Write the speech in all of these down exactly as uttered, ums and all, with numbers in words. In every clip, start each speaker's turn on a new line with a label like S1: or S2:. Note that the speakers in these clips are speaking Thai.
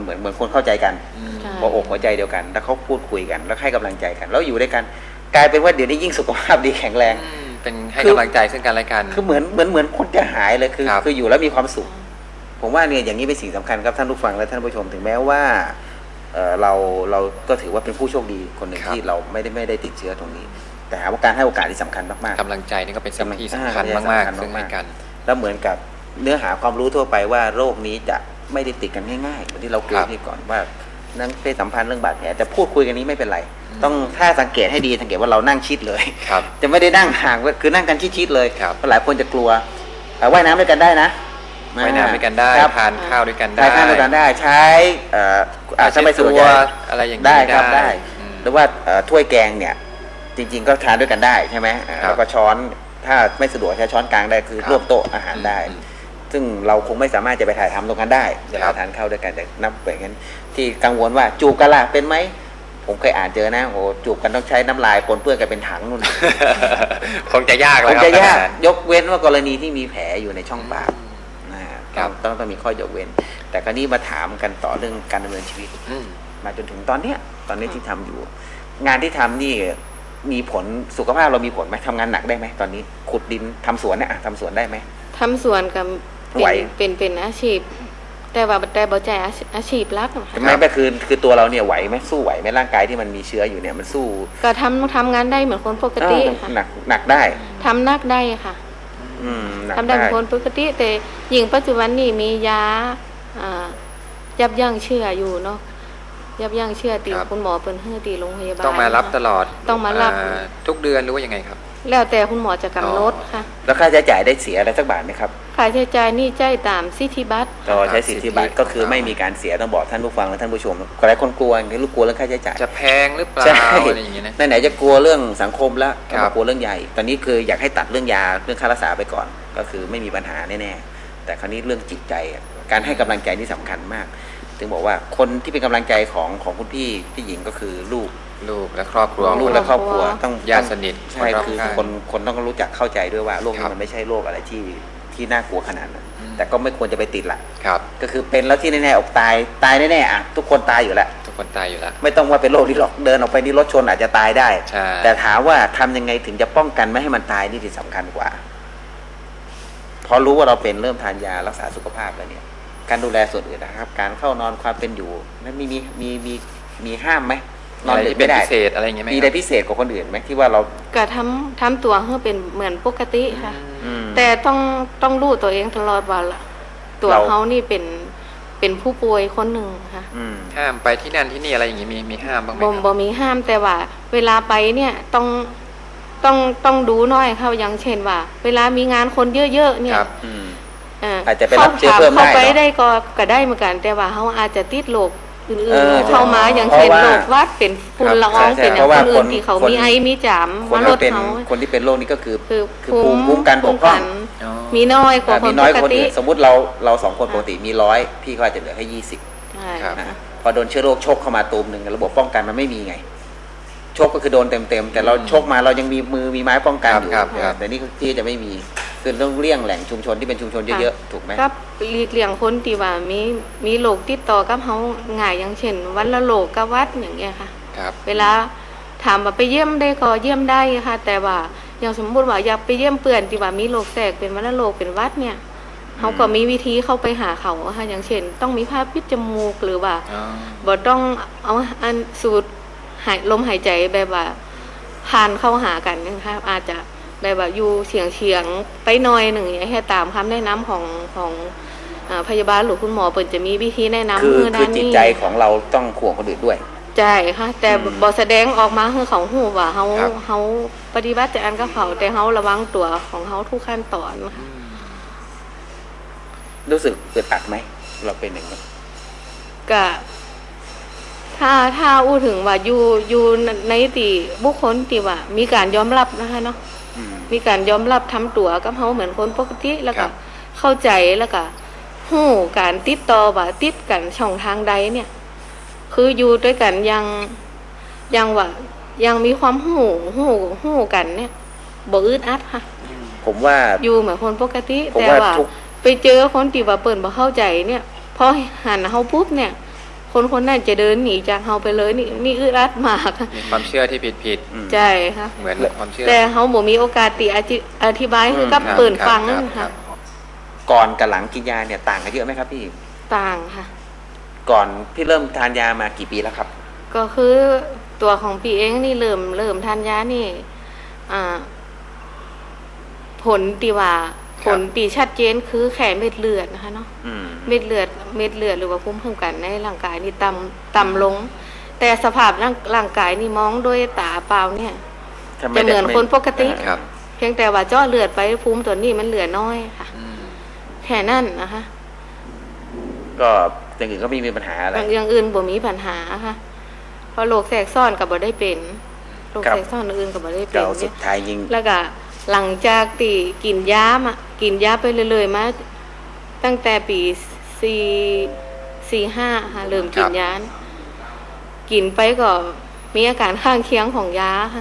S1: เหมือนเหมือนคนเข้าใจกันหัวอกหัวใจเดียวกันแล้วเขาพูดคุยกันแล้วให้กำลังใจกันแล้วอยู่ด้วยกันกลายเป็นว่าเดี๋ยวนี้ยิ่งสุขภาพดีแข็งแรง
S2: เป็นให้กำลังใจซึ่งกันและกัน
S1: คือเหมือนเหมือนเหมือนคนจะหายเลยคือคืออยู่แล้วมีความสุขผมว่าเนี่ยอย่างนี้เป็นสิ่งสำคัญครับท่านผู้ฟังและท่านผู้ชมถึงแม้ว่าเราเราก็ถือว่าเป็นผู้โชคดีคนหนึ่งที่เราไม่ได้ไม่ได้ติดเชื้อตรงนี้แต่ว่าการให้โอกาสที่สำคัญมากๆ
S2: กำลังใจนี่ก็เป็นสิ่งที่สำคัญมากๆซึ่งให้กัน
S1: แล้วเหมือนกับเนื้อหาความรู้ทั่วไปว่าโรคนี้จะไม่ได้ติดกันง่ายๆเหมือนที่เราคุยที่ก่อนว่านั่งเพศสัมพันธ์เรื่องบาดแผลแต่พูดคุยกันนี้ไม่เป็นไรต้องถ้าสังเกตให้ดีสังเกตว่าเรานั่งชิดเลยจะไม่ได้นั่งห่างคือนั่งกันชิดๆเลยเพราะหลายคนจะกลัวว่ายน้ำด้วยกันได้นะ
S2: ว่ายน้ำด้วยกันได้ทานข้าวด้วยกันได้
S1: ทานข้าวด้วยกันได้ใช้อาจจะไม่สะดวก
S2: อะไรอย่างนี้
S1: ได้ครับได้หรือว่าถ้วยแกงเนี่ยจริงๆก็ทานด้วยกันได้ใช่ไหมแล้วก็ช้อนถ้าไม่สะดวกใช้ช้อนกลางได้คือร่วมโต๊ะอาหารได้ซึ่งเราคงไม่สามารถจะไปถ่ายทำตรงนั้นได้เวลาทานข้าวด้วยกันแต่นับแบบนั้นที่กังวลว่าจูบกันล่ะเป็นไหมผมเคยอ่านเจอนะโอ้จูบกันต้องใช้น้ำลายปนเปื้อนกันเป็นถังนู่น
S2: คงจะยากเลย
S1: คงจะยากยกเว้นว่ากรณีที่มีแผลอยู่ในช่องปากนะครับต้องต้องมีข้อยกเว้นแต่คราวนี้มาถามกันต่อเรื่องการดำเนินชีวิตมาจนถึงตอนเนี้ยตอนนี้ที่ทำอยู่งานที่ทำนี่มีผลสุขภาพเรามีผลไหมทำงานหนักได้ไหมตอนนี้ขุดดินทำสวนเนี่ยทำสวนได้ไหม
S3: ทำสวนกับเป็นเป็นอาชีพแต่ว่าแต่บ่ใจอาชีพรัก
S1: ใช่ไหมก็คือคือตัวเราเนี่ยไหวไหมสู้ไหวไหมร่างกายที่มันมีเชื้ออยู่เนี่ยมันสู้
S3: ก็ทำทำงานได้เหมือนคนปกติค่ะ
S1: หนักหนักได้
S3: ทำนักได้ค่ะทำได้เหมือนคนปกติแต่ยิ่งปัจจุบันนี่มียายับยั้งเชื้ออยู่เนาะยับยั้งเชื้อตีคุณหมอเป็นเฮือตีโรงพยาบาล
S2: ต้องมารับตลอด
S3: ต้องมารับ
S2: ทุกเดือนหรือว่ายังไงครับ
S3: แล้วแต่คุณหมอจะกำหนดค่ะ
S1: แล้วค่าใช้จ่ายได้เสียอะไรสักบาทไหมครับ
S3: ค่าใช้จ่ายนี่จ่ายตามสิทธิบัตร
S1: ต่อใช้สิทธิบัตรก็คือไม่มีการเสียต้องบอกท่านผู้ฟังและท่านผู้ชมหลายคนกลัวคือลูกกลัวเรื่องค่าใช้จ่าย
S2: จะแพงหรือเปล่าอะไรอย่างเงี้ยนะ
S1: ไหนๆจะกลัวเรื่องสังคมแล้วก็กลัวเรื่องใหญ่ตอนนี้คืออยากให้ตัดเรื่องยาเรื่องค่ารักษาไปก่อนก็คือไม่มีปัญหาแน่ๆแต่คราวนี้เรื่องจิตใจการให้กำลังใจนี่สำคัญมากถึงบอกว่าคนที่เป็นกำลังใจของของคุณพี่พี่หญิงก็คือลูก
S2: ลูกและครอบครัว
S1: ลูกและครอบครัวต้อง
S2: ญาติสนิท
S1: ใช่คือคนคนต้องรู้จักเข้าใจด้วยว่าโรคนี้มันไม่ใช่โรคอะไรที่ที่น่ากลัวขนาดนั้นแต่ก็ไม่ควรจะไปติดละก็คือเป็นแล้วที่แน่ๆออกตายตายแน่ๆอ่ะทุกคนตายอยู่แล้ว
S2: ทุกคนตายอยู่แล้ว
S1: ไม่ต้องว่าเป็นโรคนี้หรอกเดินออกไปนี่รถชนอาจจะตายได้แต่ถามว่าทำยังไงถึงจะป้องกันไม่ให้มันตายนี่ที่สำคัญกว่าพอรู้ว่าเราเป็นเริ่มทานยารักษาสุขภาพแล้วเนี่ยการดูแลส่วนอื่นนะครับการเข้านอนความเป็นอยู่นั้นมีมีมีมีมีห้ามไหม
S2: นอนไม่ได้พิเศษอะไรอย่างเงี้ยไหม
S1: มีอะไรพิเศษกว่าคนอื่นไหมที่ว่าเรา
S3: ก็ทำทำตัวให้เป็นเหมือนปกติค่ะแต่ต้องต้องรู้ตัวเองตลอดว่าตัวเขานี่เป็นเป็นผู้ป่วยคนหนึ่งค่ะ
S2: ห้ามไปที่นั่นที่นี่อะไรอย่างเงี้ยมีมีห้ามบ้างไหม
S3: บ่บ่มีห้ามแต่ว่าเวลาไปเนี่ยต้องต้องต้องดูน้อยเขาอย่างเช่นว่าเวลามีงานคนเยอะๆเนี่ย
S1: อาจจะไปรับเชื้อเพิ่มได้
S3: เข้าไปได้ก็ก็ได้เหมือนกันแต่ว่าเขาอาจจะติดโรคอื่นๆเข้ามาอย่างเช่นโรควัดเป็นฝุ่นละอองเป็นอย่างคนอื่นที่เขามีไอมีจาม
S1: มาลดเขาคนที่เป็นโรคนี้ก็คือคือภูมิคุ้มกันบกพร่อง
S3: มีน้อยกว่าคนปกติ
S1: สมมุติเราเราสองคนปกติมีร้อยพี่เขาอาจจะเหลือแค่ยี่สิบพอโดนเชื้อโรคชกเข้ามาตูมหนึ่งระบบป้องกันมันไม่มีไงชกก็คือโดนเต็มๆแต่เราชกมาเรายังมีมือมีไม้ป้องกันอยู่แต่นี่ที่จะไม่มีคือต้องเลี่ยงแหล่งชุมชนที่เป็นชุมชนเยอะๆถูกไหม
S3: ครับหลีกเลี่ยงคนที่ว่ามีมีโรคติดต่อกับเขาง่ายอย่างเช่นวันละโรคกับวัดอย่างเงี้ยค่ะเวลาถามว่าไปเยี่ยมได้ก็เยี่ยมได้ค่ะแต่ว่าอย่างสมมุติว่าอยากไปเยี่ยมเปื่อนที่ว่ามีโรคแทรกเป็นวันละโรคเป็นวัดเนี่ยเขาก็มีวิธีเข้าไปหาเขาค่ะอย่างเช่นต้องมีผ้าปิดจมูกหรือว่าบ่ต้องเอาอันสูดหายลมหายใจแบบว่าผ่านเข้าหากันนะคะอาจจะแบบว่าอยู่เฉียงเฉียงไปหน่อยหนึ่งอย่างให้ตามคำแนะนำของของพยาบาลหรือคุณหมอเปิดจะมีวิธีแนะนำ
S1: คือคือจิตใจของเราต้องห่วงคนอื่นด้วย
S3: ใช่ค่ะแต่บอแสดงออกมาคือเขาหูว่าเขาเขาปฏิบัติจากอันกับเขาแต่เขาระวังตัวของเขาทุกขั้นตอนค่ะ
S1: รู้สึกอึดอัดไหมเราเป็นอย่างนี้
S3: ก็ถ้าถ้าอู้ถึงว่าอยู่อยู่ในตีบุคคลที่ว่ามีการยอมรับนะคะเนาะมีการยอมรับทำตัวกับเขาเหมือนคนปกติแล้วก็เข้าใจแล้วก็หู้การติดต่อว่าติดกันช่องทางใดเนี่ยคืออยู่ด้วยกันยังยังว่ายังมีความหู้หู้หู้กันเนี่ยบ่อึดอัดค่ะ
S1: ผมว่า
S3: อยู่เหมือนคนปกติแต่ว่าไปเจอคนที่ว่าเปิ่นบ่เข้าใจเนี่ยพอหันเขาปุ๊บเนี่ยคนคนนั้นจะเดินหนีจากเฮาไปเลยนี่นี่อึดอัดมาก
S2: มีความเชื่อที่ผิดผิด
S3: ใช่ค่ะ
S2: เหมือนความเชื่อ
S3: แต่เฮาบ่มีโอกาสติอธิบายให้กับเปิ่นฟังนั่นค่ะ
S1: ก่อนกับหลังกินยาเนี่ยต่างกันเยอะไหมครับพี่
S3: ต่างค่ะ
S1: ก่อนพี่เริ่มทานยามากี่ปีแล้วครับ
S3: ก็คือตัวของพี่เองนี่เริ่มเริ่มทานยานี่อ่าผลตีว่าผลตีชัดเจนคือแค่เม็ดเลือดนะคะเนาะเม็ดเลือดเม็ดเลือดหรือว่าภูมิคุ้มกันในร่างกายนี่ต่ำต่ำลง แต่สภาพร่างร่างกายนี่มองด้วยตาเปล่าเนี่ยจะเหมือนคนปกติเพียงแต่ว่าเจาะเลือดไปภูมิตัวนี้มันเหลือน้อยค่ะแค่นั้นนะคะ
S1: ก็อย่างอื่นก็ไม่มีปัญหาอะไร
S3: อย่างอื่นบ่มีปัญหาค่ะเพราะโรคแทรกซ้อนกับบ่ได้เป็นโรคแทรกซ้อนอื่นกับบ่ได้เป็น
S1: สุดท้ายยิง
S3: แล้วก็หลังจากตีกินยามากินยาไปเรื่อยๆมาตั้งแต่ปีสี่สี่ห้าค่ะเริ่มกินยากินไปก็มีอาการข้างเคียงของยาค่ะ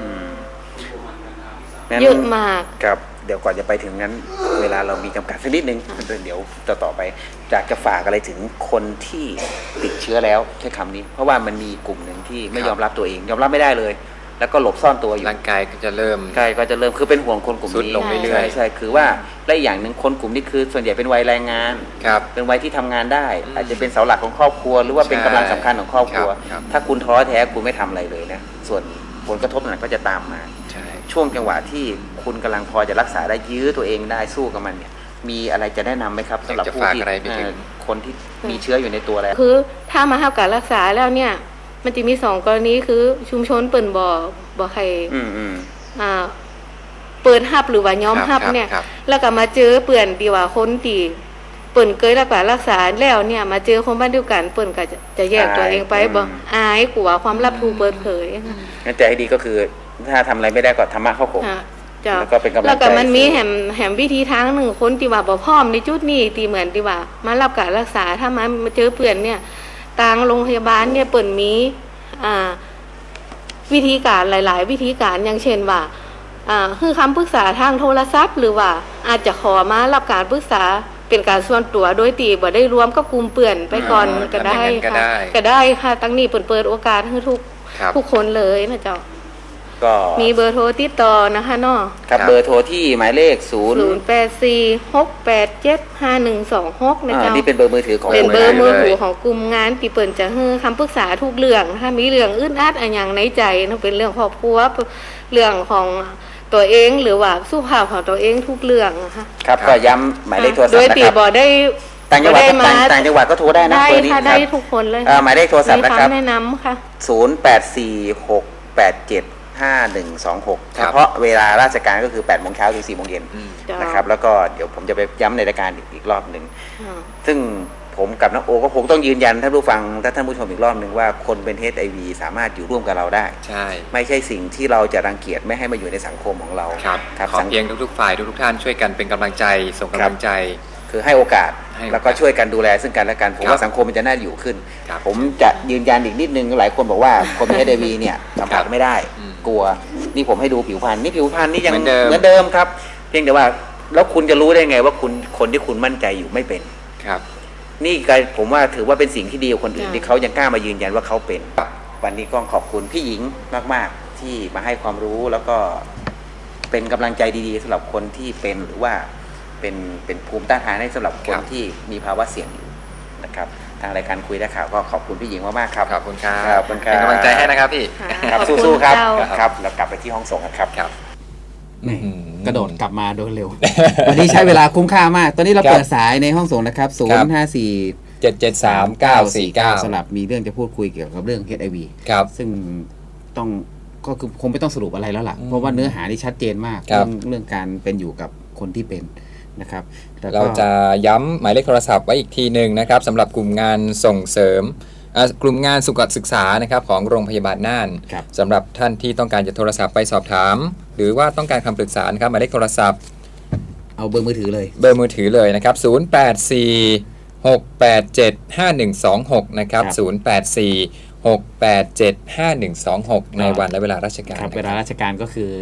S3: เยอะมาก
S1: ครับเดี๋ยวก่อนจะไปถึงนั้นเวลาเรามีจำกัดสักนิดนึงเดี๋ยวต่อต่อไปอยากจะฝากอะไรถึงคนที่ติดเชื้อแล้วใช้คำนี้เพราะว่ามันมีกลุ่มหนึ่งที่ไม่ยอมรับตัวเองยอมรับไม่ได้เลยแล้วก็หลบซ่อนตัวอยู่
S2: ร่างกายก็จะเริ่ม
S1: กายก็จะเริ่มคือเป็นห่วงคนกลุ่มนี้
S2: ลงเรื่อย
S1: ๆใช่คือว่าและอย่างหนึ่งคนกลุ่มนี้คือส่วนใหญ่เป็นวัยแรงงานเป็นวัยที่ทำงานได้อาจจะเป็นเสาหลักของครอบครัวหรือว่าเป็นกำลังสำคัญของครอบครัวถ้าคุณท้อแท้คุณไม่ทำอะไรเลยนะส่วนผลกระทบนั้นก็จะตามมาช่วงจังหวะที่คุณกำลังพอจะรักษาได้ยื้อตัวเองได้สู้กับมันเนี่ยมีอะไรจะแนะนำไหมครับสำหรับผู้ที่คนที่มีเชื้ออยู่ในตัวแล้ว
S3: คือถ้ามาทำการรักษาแล้วเนี่ยมันจะมีสองกรณีคือชุมชนเปิ่นบ่อบ่อใครอ่าเปิดฮับหรือว่าย้อมฮับเนี่ยแล้วก็มาเจอเปื่อนดีว่าคนตีเปิ่นเคยรักษารักษาแล้วเนี่ยมาเจอคนบ้านเดียวกันเปิ่นก็จะจะแยกตัวเองไปบ่อายกลัวความลับถูกเปิดเผย
S1: งั้นแต่ให้ดีก็คือถ้าทำอะไรไม่ได้ก็ธรรมะเข้าข่มแล้วก็เป็นกำลังใจ
S3: แล้วก็มันมีแหมแหมวิธีทางหนึ่งคนที่ว่าบ่พร้อมในจุดนี้ตีเหมือนที่ว่ามารับการรักษาถ้ามามาเจอเปื่อนเนี่ยทางโรงพยาบาลเนี่ยเปิ่นมีอ่าวิธีการหลายๆวิธีการอย่างเช่นว่าอ่าคือคำปรึกษาทางโทรศัพท์หรือว่าอาจจะขอมารับการปรึกษาเป็นการส่วนตัวโดยตีบ่ได้รวมกับกลุ่มเปื่อนไปก่อนก็ได้ค่ะก็ได้ค่ะตั้งนี้เปิ่นเปิดโอกาสให้ทุกทุกคนเลยนะเจ้าก็มีเบอร์โทรติดต่อนะคะเนาะ
S1: ครับเบอร์โทรที่หมายเลขศูนย์
S3: ศูนย์ แปด สี่ หก แปด เจ็ด ห้า หนึ่ง สอง หกนะเจ้า
S1: นี่เป็นเบอร์มือถือของ
S3: เป็นเบอร์มือถือของกลุ่มงานที่เปิ่นจะให้คำปรึกษาทุกเรื่องถ้ามีเรื่องอึดอัดอะไรอย่างในใจนั่นเป็นเรื่องครอบครัวเรื่องของตัวเองหรือว่าสุขภาพของตัวเองทุกเรื่องนะคะ
S1: ครับก็ย้ำหมายเลขโทรศัพท์
S3: นะครับโดยตีบ่ได้
S1: ต่างจังหวัดต่างจังหวัดก็โทรได้นะ
S3: ได้ค่ะได้ทุกคนเลย
S1: หมายเลขโทรศัพท์นะครับ
S3: แนะนำค่ะ
S1: ศูนย์ แปด สี่ หก แปด เจ็ด ห้า หนึ่ง สอง หกเฉพาะเวลาราชการก็คือแปดโมงเช้าถึงสี่โมงเย็นนะครับแล้วก็เดี๋ยวผมจะไปย้ำในรายการอีกรอบหนึ่งซึ่งผมกับน้องโอก็คงต้องยืนยันท่านผู้ฟังท่านผู้ชมอีกรอบหนึ่งว่าคนเป็น เอช ไอ วี สามารถอยู่ร่วมกับเราได้
S2: ใช่
S1: ไม่ใช่สิ่งที่เราจะรังเกียจไม่ให้มาอยู่ในสังคมของเรา
S2: ครับขอเพียงทุกๆฝ่ายทุกๆท่านช่วยกันเป็นกำลังใจส่งกำลังใจ
S1: คือให้โอกาสแล้วก็ช่วยกันดูแลซึ่งกันและกันผมว่าสังคมมันจะน่าอยู่ขึ้นผมจะยืนยันอีกนิดนึงหลายคนบอกว่าคนเป็น เอช ไอ วี เนี่ยสัมผัสไม่ได้กลัวนี่ผมให้ดูผิวพรรณนี่ผิวพรรณนี่ยังเหมือนเดิมครับเพียงแต่ว่าแล้วคุณจะรู้ได้ไงว่าคุณคนที่คุณมั่นใจอยู่ไม่เป็น
S2: ครับ
S1: นี่ก็ผมว่าถือว่าเป็นสิ่งที่ดีกว่าคนอื่นที่เขายังกล้ามายืนยันว่าเขาเป็นวันนี้ก็ขอบคุณพี่หญิงมากๆที่มาให้ความรู้แล้วก็เป็นกำลังใจดีๆสำหรับคนที่เป็นหรือว่าเป็นเป็นภูมิต้านทานให้สำหรับคนที่มีภาวะเสี่ยงอยู่นะครับทางรายการคุยได้ข่าวก็ขอบคุณพี่หญิงมากๆครับ
S2: ขอบคุณครับเป็นกำลังใจให้นะครับพี่
S1: ครับสู้ๆครับครับแล้วกลับไปที่ห้องส่งครับกระโดดกลับมาโดยเร็ววันนี้ใช้เวลาคุ้มค่ามากตอนนี้เราเปิดสายในห้องส่งนะครับศูนย์ ห้า สี่
S4: เจ็ด เจ็ด สาม เก้า สี่ เก้า
S1: สำหรับมีเรื่องจะพูดคุยเกี่ยวกับเรื่อง เอช ไอ วี
S4: ครับ
S1: ซึ่งต้องก็คือคงไม่ต้องสรุปอะไรแล้วล่ะเพราะว่าเนื้อหาที่ชัดเจนมากเรื่องเรื่องการเป็นอยู่กับคนที่เป็นนะครับ
S4: เราจะย้ำหมายเลขโทรศัพท์ไว้อีกทีหนึ่งนะครับสำหรับกลุ่มงานส่งเสริมกลุ่มงานสุขศึกษานะครับของโรงพยาบาลน่านสำหรับท่านที่ต้องการจะโทรศัพท์ไปสอบถามหรือว่าต้องการคำปรึกษานะครับหมายเลขโทรศัพท์
S1: เอาเบอร์มือถือเลย
S4: เบอร์มือถือเลยนะครับศูนย์ แปด สี่ หก แปด เจ็ด ห้า หนึ่ง สอง หกนะครับศูนย์ แปด สี่ หก แปด เจ็ด ห้า หนึ่ง สอง หกในวันและเวลาราชการ
S1: ครับเวลาราชการก็คือ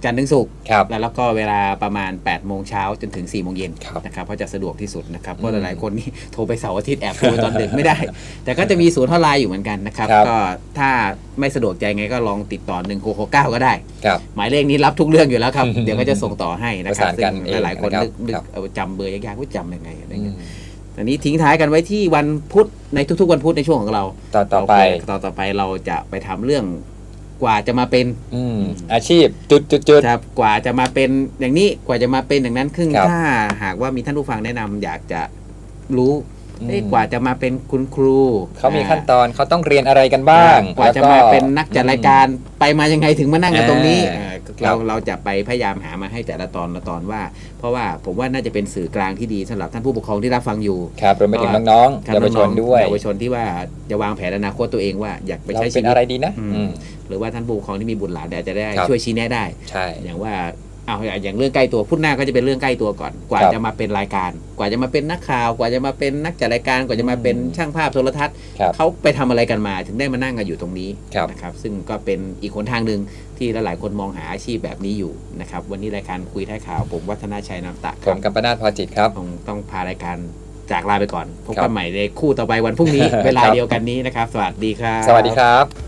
S1: จันทร์ถึงศุกร์
S4: ครับ
S1: แล้วแล้วก็เวลาประมาณแปดโมงเช้าจนถึงสี่โมงเย็น
S4: ครับ
S1: นะครับเพราะจะสะดวกที่สุดนะครับเพราะ
S4: อืม
S1: หลายๆคนนี่โทรไปเสาร์อาทิตย์แอบโทรไปตอนดึกไม่ได้ แต่ก็จะมีศูนย์ฮอตไลน์อยู่เหมือนกันนะครับ
S4: ครับ
S1: ก็ถ้าไม่สะดวกใจไงก็ลองติดต่อหนึ่งหกหกเก้าก็ได้
S4: ครับ
S1: หมายเลขนี้รับทุกเรื่องอยู่แล้วครับ เดี๋ยวก็จะส่งต่อให้นะครั
S4: ประสานกัน
S1: ซึ่งหลายๆคน
S4: เองนะครับ
S1: นึกนึก
S4: ครับ
S1: เอาจำเบอร์ยากๆว่าจำยังไงอะไร
S4: อื
S1: เงี้
S4: ม
S1: ยอันนี้ทิ้งท้ายกันไว้ที่วันพุธในทุกๆวันพุธในช่วงของเรา
S4: ต่อต่อไป
S1: โเคต่อต่อไปเราจะไปทำเรื่องกว่าจะมาเป็น
S4: อืมอาชีพจุดจุดจุด
S1: ครับกว่าจะมาเป็นอย่างนี้กว่าจะมาเป็นอย่างนั้นครึ่ง
S4: ครับ
S1: ถ้าหากว่ามีท่านผู้ฟังแนะนำอยากจะรู้
S4: อืม
S1: เอ๊ะกว่าจะมาเป็นคุณครู
S4: เขามีขั้นตอนเขาต้องเรียนอะไรกันบ้าง
S1: กว่าจะ
S4: แล้
S1: มาเป็นนักจัดรายการไปมายังไงถึงมานั่งกันตรงนี้
S4: อ่า
S1: เอ่อ
S4: ครั
S1: เรา
S4: บ
S1: เราจะไปพยายามหามาให้แต่ละตอนละตอนว่า เพราะว่าผมว่าน่าจะเป็นสื่อกลางที่ดีสำหรับท่านผู้ปกครองที่รับฟังอยู่
S4: ครับรวมไปถึงน้องๆ
S1: ครับ
S4: เยาวชน
S1: องๆ
S4: ด้วย
S1: เยาวชนที่ว่าจะวางแผนอนาคตตัวเองว่าอยากไป
S4: เรา
S1: ใช้ชี
S4: เป็น
S1: วิต
S4: อะไรดีนะ
S1: อืม
S4: อืม
S1: หรือว่าท่านผู้ปกครองที่มีบุตรหลานอาจจะได้
S4: ครับ
S1: ช่วยชี้แนะได้
S4: ใช่
S1: อย่างว่าเอาอย่างเรื่องใกล้ตัวพุธหน้าก็จะเป็นเรื่องใกล้ตัวก่อน กว่า
S4: ครับ
S1: จะมาเป็นรายการ กว่าจะมาเป็นนักข่าว กว่าจะมาเป็นนักจัดรายการ กว่าจะมาเป็นช่างภาพโทรทัศน์
S4: ครับ
S1: เขาไปทำอะไรกันมาถึงได้มานั่งกันอยู่ตรงนี้
S4: ครับ
S1: นะครับซึ่งก็เป็นอีกหนทางหนึ่งที่หลายๆคนมองหาอาชีพแบบนี้อยู่นะครับวันนี้รายการคุยท้ายข่าวผมวัฒนาชัยนามตะค
S4: ผ
S1: รั
S4: ม
S1: บ
S4: กัมปนาทพอจิตครับ
S1: คงต้องพารายการจากลาไปก่อนพบ
S4: ครั
S1: กับ นใหม่ในคู่ต่อไปวันพรุ่งนี้ เวลา
S4: ครับ
S1: เดียวกันนี้นะครับ สวัสดีครับ
S4: สวัสดีครับ